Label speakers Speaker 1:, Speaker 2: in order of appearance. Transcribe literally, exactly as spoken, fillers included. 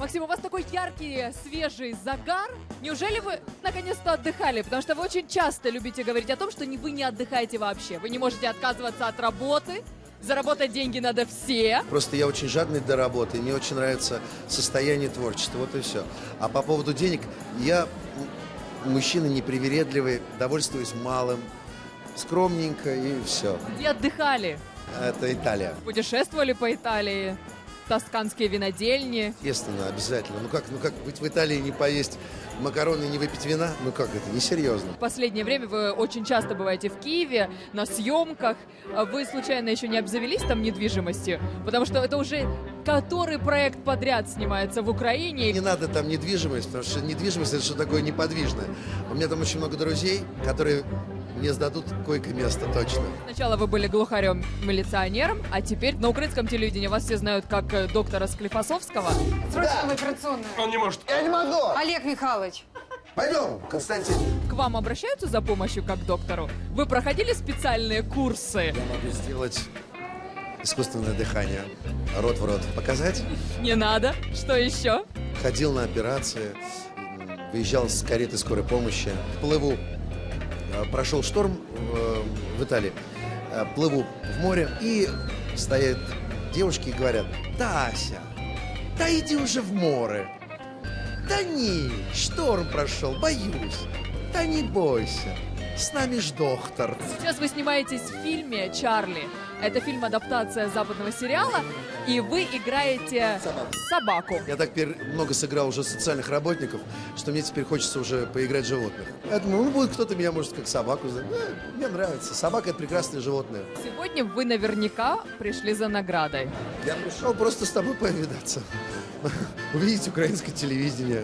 Speaker 1: Максим, у вас такой яркий, свежий загар. Неужели вы наконец-то отдыхали? Потому что вы очень часто любите говорить о том, что не, вы не отдыхаете вообще. Вы не можете отказываться от работы. Заработать деньги надо все.
Speaker 2: Просто я очень жадный до работы, и мне очень нравится состояние творчества, вот и все. А по поводу денег, я мужчина непривередливый, довольствуюсь малым, скромненько и все.
Speaker 1: Где отдыхали?
Speaker 2: Это Италия.
Speaker 1: Путешествовали по Италии? Тосканские винодельни?
Speaker 2: Естественно, обязательно. Ну как, ну как быть в Италии, не поесть макароны и не выпить вина? Ну как это, несерьезно.
Speaker 1: В последнее время вы очень часто бываете в Киеве, на съемках. Вы случайно еще не обзавелись там недвижимостью? Потому что это уже который проект подряд снимается в Украине.
Speaker 2: Не надо там недвижимость, потому что недвижимость — это что такое неподвижное. У меня там очень много друзей, которые мне сдадут койко-место, точно.
Speaker 1: Сначала вы были глухарем-милиционером, а теперь на украинском телевидении вас все знают как э, доктора Склифосовского.
Speaker 3: Срочно в операционную.
Speaker 4: Он не может.
Speaker 2: Я не могу!
Speaker 3: Олег Михайлович.
Speaker 2: Пойдем, Константин.
Speaker 1: К вам обращаются за помощью как к доктору? Вы проходили специальные курсы?
Speaker 2: Я могу сделать искусственное дыхание. Рот в рот. Показать?
Speaker 1: Не надо. Что еще?
Speaker 2: Ходил на операции, выезжал с кареты скорой помощи. Плыву. Прошел шторм в Италии. Плыву в море, и стоят девушки и говорят: «Да, Ася, да иди уже в море. Да не, шторм прошел, боюсь. Да не бойся, с нами ж доктор».
Speaker 1: Сейчас вы снимаетесь в фильме «Чарли». Это фильм-адаптация западного сериала, и вы играете собаку.
Speaker 2: Я так много сыграл уже социальных работников, что мне теперь хочется уже поиграть в животных. Я думаю, ну будет кто-то меня, может, как собаку знать. Э, мне нравится. Собака — это прекрасное животное.
Speaker 1: Сегодня вы наверняка пришли за наградой.
Speaker 2: Я пришел просто с тобой повидаться. Увидеть украинское телевидение.